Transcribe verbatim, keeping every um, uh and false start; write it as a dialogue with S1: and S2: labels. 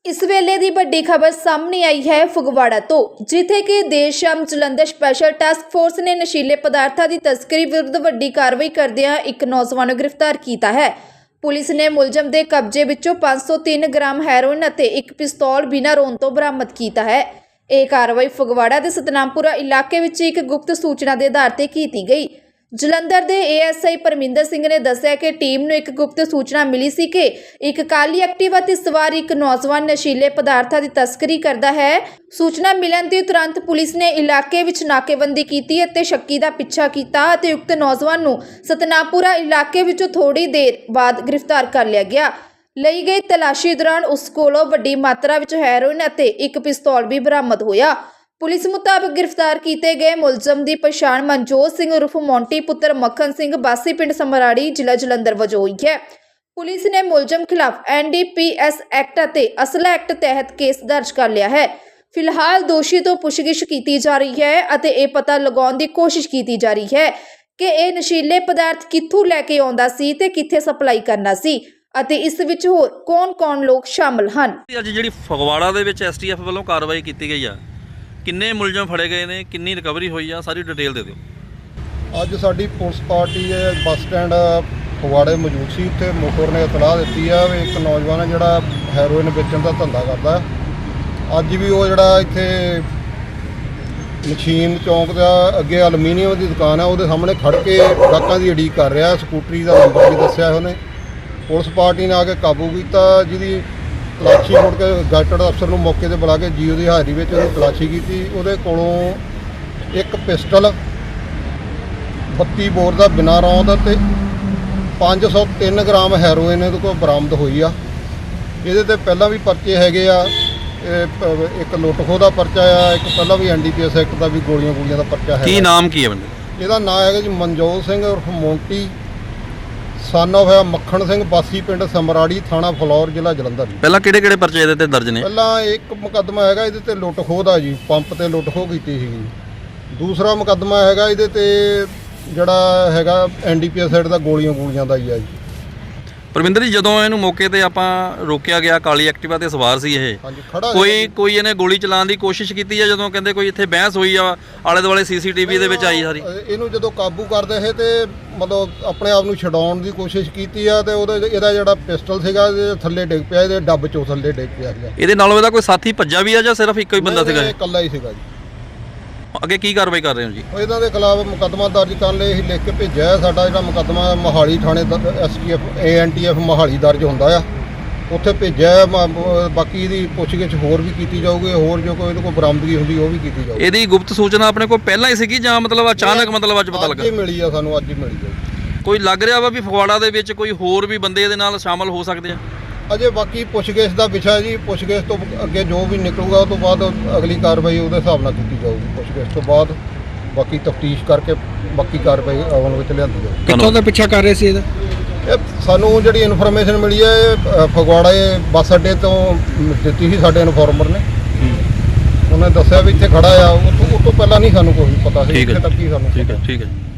S1: इस वेले दी बड़ी खबर सामने आई है फगवाड़ा तो, जिथे कि देर शाम जलंधर स्पैशल टास्क फोर्स ने नशीले पदार्थां की तस्करी विरुद्ध वड्डी कार्रवाई करदिआं एक नौजवान नूं गिरफ्तार किया है। पुलिस ने मुलजम के कब्जे विचों पाँच सौ तीन ग्राम हैरोइन अते एक पिस्तौल बिना रोन तो बरामद किया है। यह कार्रवाई फगवाड़ा के सतनामपुरा इलाके विच एक गुप्त सूचना के आधार पर की गई। जलंधर के A S I Parminder Singh ने दस्सिया कि टीम नूं एक गुप्त सूचना मिली सी कि एक काली एक्टिवा ते सवार एक नौजवान नशीले पदार्थां की तस्करी करता है। सूचना मिलण ते तुरंत पुलिस ने इलाके विच नाकेबंदी कीती अते शक्की दा पिछा कीता अते उक्त नौजवान नूं सतनामपुरा इलाके विचों थोड़ी देर बाद गिरफ्तार कर लिया गया। ਲਈ गई तलाशी दौरान उस कोलों वड्डी मात्रा विच हैरोइन अते एक पिस्तौल भी बरामद होया। पुलिस मुताबिक गिरफ्तार किए गए मुलजम की पछाण मनजोत सिंह उर्फ मोंटी पुत्र मक्खन सिंह बासी पिंड समराड़ी जिला जलंधर वजों हुई है। पुलिस ने मुलजम खिलाफ N D P S act अते असला एक्ट तहत केस दर्ज कर लिया है। फिलहाल दोषी तो पुछगिछ की जा रही है अते ये पता लगाउण की कोशिश की जा रही है कि यह नशीले पदार्थ कित्थों लैके आउंदा सी ते कित्थे सप्लाई करना सी ਅਤੇ ਇਸ ਵਿੱਚ ਹੋਰ ਕੌਣ-ਕੌਣ ਲੋਕ ਸ਼ਾਮਲ ਹਨ।
S2: ਅੱਜ ਜਿਹੜੀ ਫਗਵਾੜਾ ਦੇ ਵਿੱਚ ਐਸ ਟੀ ਐਫ ਵੱਲੋਂ ਕਾਰਵਾਈ ਕੀਤੀ ਗਈ ਆ, ਕਿੰਨੇ ਮੁਲਜ਼ਮ ਫੜੇ ਗਏ ਨੇ, ਕਿੰਨੀ ਰਿਕਵਰੀ ਹੋਈ ਆ, ਸਾਰੀ ਡਿਟੇਲ ਦੇ ਦਿਓ।
S3: ਅੱਜ ਸਾਡੀ ਪੁਲਿਸ ਪਾਰਟੀ ਹੈ ਬੱਸ ਸਟੈਂਡ ਫਗਵਾੜੇ ਮੌਜੂਦ ਸੀ। ਉੱਥੇ ਮੁਖਬਰ ਨੇ ਇਤਲਾਹ ਦਿੱਤੀ ਆ ਵੀ ਇੱਕ ਨੌਜਵਾਨ ਹੈ ਜਿਹੜਾ ਹੈਰੋਇਨ ਵੇਚਣ ਦਾ ਧੰਦਾ ਕਰਦਾ। ਅੱਜ ਵੀ ਉਹ ਜਿਹੜਾ ਇੱਥੇ ਮਸ਼ੀਨ ਚੌਂਕ ਦਾ ਅੱਗੇ ਐਲੂਮੀਨੀਅਮ ਦੀ ਦੁਕਾਨ ਆ, ਉਹਦੇ ਸਾਹਮਣੇ ਖੜ ਕੇ ਗਾਹਕਾਂ ਦੀ ਉਡੀਕ ਕਰ ਰਿਹਾ। ਸਕੂਟਰੀ ਦਾ ਨੰਬਰ ਵੀ ਦੱਸਿਆ ਉਹਨੇ। पुलिस पार्टी ने आके काबू किया, जिहदी तलाशी मुड़ के गैजेटेड अफसर नूं मौके पर बुला के जीओ की हाजरी में उसकी तलाशी की। उहदे कोलों एक पिस्टल बत्ती बोर का बिना रौंद ते पाँच सौ तीन ग्राम हैरोइन इहदे कोल बरामद हुई आ। इहदे ते पहलां भी परचे हैगे आ, एक लुट खोह का परचा आ, एक पहलां भी N D P S act का भी गोलियां गोलियां का परचा है।
S2: की नाम की है बंदे?
S3: इहदा नाम है जी मनजोत सिंह उर्फ मोंटी सन ऑफ मक्खन सिंह बासी पिंड समराड़ी थाना फलौर जिला जलंधर।
S2: पहला किहड़े किहड़े परचे इहदे ते दर्ज ने?
S3: पहला एक मुकदमा हैगा इहदे ते लुट खोह दा जी, पंप ते लुट खोह कीती सीगी। दूसरा मुकदमा हैगा इहदे ते जिहड़ा हैगा N D P S side दा गोलियां गोलियां दा ही है जी।
S2: परमिंਦਰ जी, ਜਦੋਂ ਇਹਨੂੰ ਮੌਕੇ ਤੇ ਆਪਾਂ ਰੋਕਿਆ ਗਿਆ, ਕਾਲੀ ਐਕਟਿਵਾ ਤੇ ਸਵਾਰ ਸੀ ਇਹ, ਕੋਈ ਕੋਈ ਇਹਨੇ ਗੋਲੀ ਚਲਾਉਣ ਦੀ ਕੋਸ਼ਿਸ਼ ਕੀਤੀ ਹੈ? ਜਦੋਂ ਕਹਿੰਦੇ ਕੋਈ ਇੱਥੇ ਬਹਿਸ ਹੋਈ ਆ, ਆਲੇ ਦੁਆਲੇ ਸੀਸੀਟੀਵੀ ਦੇ ਵਿੱਚ ਆਈ ਸਾਰੀ।
S3: ਇਹਨੂੰ ਜਦੋਂ ਕਾਬੂ ਕਰਦੇ ਇਹ ਤੇ ਮਤਲਬ ਆਪਣੇ ਆਪ ਨੂੰ ਛਡਾਉਣ ਦੀ ਕੋਸ਼ਿਸ਼ ਕੀਤੀ ਆ ਤੇ ਉਹਦਾ ਇਹਦਾ ਜਿਹੜਾ ਪਿਸਟਲ ਸੀਗਾ ਇਹਦੇ ਥੱਲੇ ਡਿੱਗ ਪਿਆ, ਇਹਦੇ ਡੱਬ ਚੋਂ ਥੱਲੇ ਡਿੱਗ ਪਿਆ ਸੀਗਾ।
S2: ਇਹਦੇ ਨਾਲੋਂ ਇਹਦਾ ਕੋਈ ਸਾਥੀ ਭੱਜਾ ਵੀ ਆ ਜਾਂ ਸਿਰਫ ਇੱਕੋ ਹੀ ਬੰਦਾ ਸੀਗਾ?
S3: ਇਹ ਇਕੱਲਾ ਹੀ ਸੀਗਾ ਜੀ।
S2: ਅੱਗੇ ਕੀ ਕਾਰਵਾਈ ਕਰ ਰਹੇ ਹੋ ਜੀ?
S3: ਇਹਨਾਂ ਦੇ ਖਿਲਾਫ ਮੁਕੱਦਮਾ ਦਰਜ ਕਰਨ ਲਈ ਅਸੀਂ ਲਿਖ ਕੇ ਭੇਜਿਆ। ਸਾਡਾ ਜਿਹੜਾ ਮੁਕੱਦਮਾ ਮੋਹਾਲੀ ਥਾਣੇ S T F A N T F Mohali ਦਰਜ ਹੁੰਦਾ ਆ, ਉੱਥੇ ਭੇਜਿਆ। ਬਾਕੀ ਇਹਦੀ ਪੁੱਛਗਿੱਛ ਹੋਰ ਵੀ ਕੀਤੀ ਜਾਊਗੀ, ਹੋਰ ਜੋ ਕੋਈ ਇਹਦੇ ਕੋਲ ਬਰਾਮਦਗੀ ਹੁੰਦੀ ਉਹ ਵੀ ਕੀਤੀ ਜਾਊਗੀ।
S2: ਇਹਦੀ ਗੁਪਤ ਸੂਚਨਾ ਆਪਣੇ ਕੋਲ ਪਹਿਲਾਂ ਹੀ ਸੀਗੀ ਜਾਂ ਮਤਲਬ ਅਚਾਨਕ ਮਤਲਬ ਅੱਜ ਪਤਾ ਲੱਗਾ?
S3: ਅੱਜ ਹੀ ਮਿਲੀ ਆ ਸਾਨੂੰ, ਅੱਜ ਹੀ ਮਿਲੀ ਆ।
S2: ਕੋਈ ਲੱਗ ਰਿਹਾ ਵਾ ਵੀ ਫਗਵਾੜਾ ਦੇ ਵਿੱਚ ਕੋਈ ਹੋਰ ਵੀ ਬੰਦੇ ਇਹਦੇ ਨਾਲ ਸ਼ਾਮਲ ਹੋ ਸਕਦੇ ਆ?
S3: ਅਜੇ ਬਾਕੀ ਪੁੱਛਗਿੱਛ ਦਾ ਵਿਸ਼ਾ ਜੀ। ਪੁੱਛਗਿੱਛ ਤੋਂ ਅੱਗੇ ਜੋ ਵੀ ਨਿਕਲੂਗਾ ਉਹ ਤੋਂ ਬਾਅਦ ਅਗਲੀ ਕਾਰਵਾਈ ਉਹਦੇ ਹਿਸਾਬ ਨਾਲ ਕੀਤੀ ਜਾਊਗੀ। ਪੁੱਛਗਿੱਛ ਤੋਂ ਬਾਅਦ ਬਾਕੀ ਤਫਤੀਸ਼ ਕਰਕੇ ਬਾਕੀ ਕਾਰਵਾਈ ਅਮਲ ਵਿੱਚ ਲਿਆਂਦੀ ਜਾਊਗੀ।
S4: ਕਿੱਥੋਂ ਦਾ ਪਿੱਛਾ ਕਰ ਰਹੇ ਸੀ ਇਹਦਾ?
S3: ਇਹ ਸਾਨੂੰ ਜਿਹੜੀ ਇਨਫੋਰਮੇਸ਼ਨ ਮਿਲੀ ਹੈ ਇਹ ਫਗਵਾੜਾ ਬੱਸ ਅੱਡੇ ਤੋਂ ਦਿੱਤੀ ਸੀ ਸਾਡੇ ਇਨਫੋਰਮਰ ਨੇ। ਉਹਨੇ ਦੱਸਿਆ ਵੀ ਇੱਥੇ ਖੜਾ ਆ। ਉਹ ਤੋਂ ਪਹਿਲਾਂ ਨਹੀਂ ਸਾਨੂੰ ਕੋਈ ਪਤਾ ਸੀ, ਇੱਥੇ ਤੱਕ ਹੀ ਸਾਨੂੰ।
S2: ਠੀਕ ਹੈ, ਠੀਕ ਹੈ।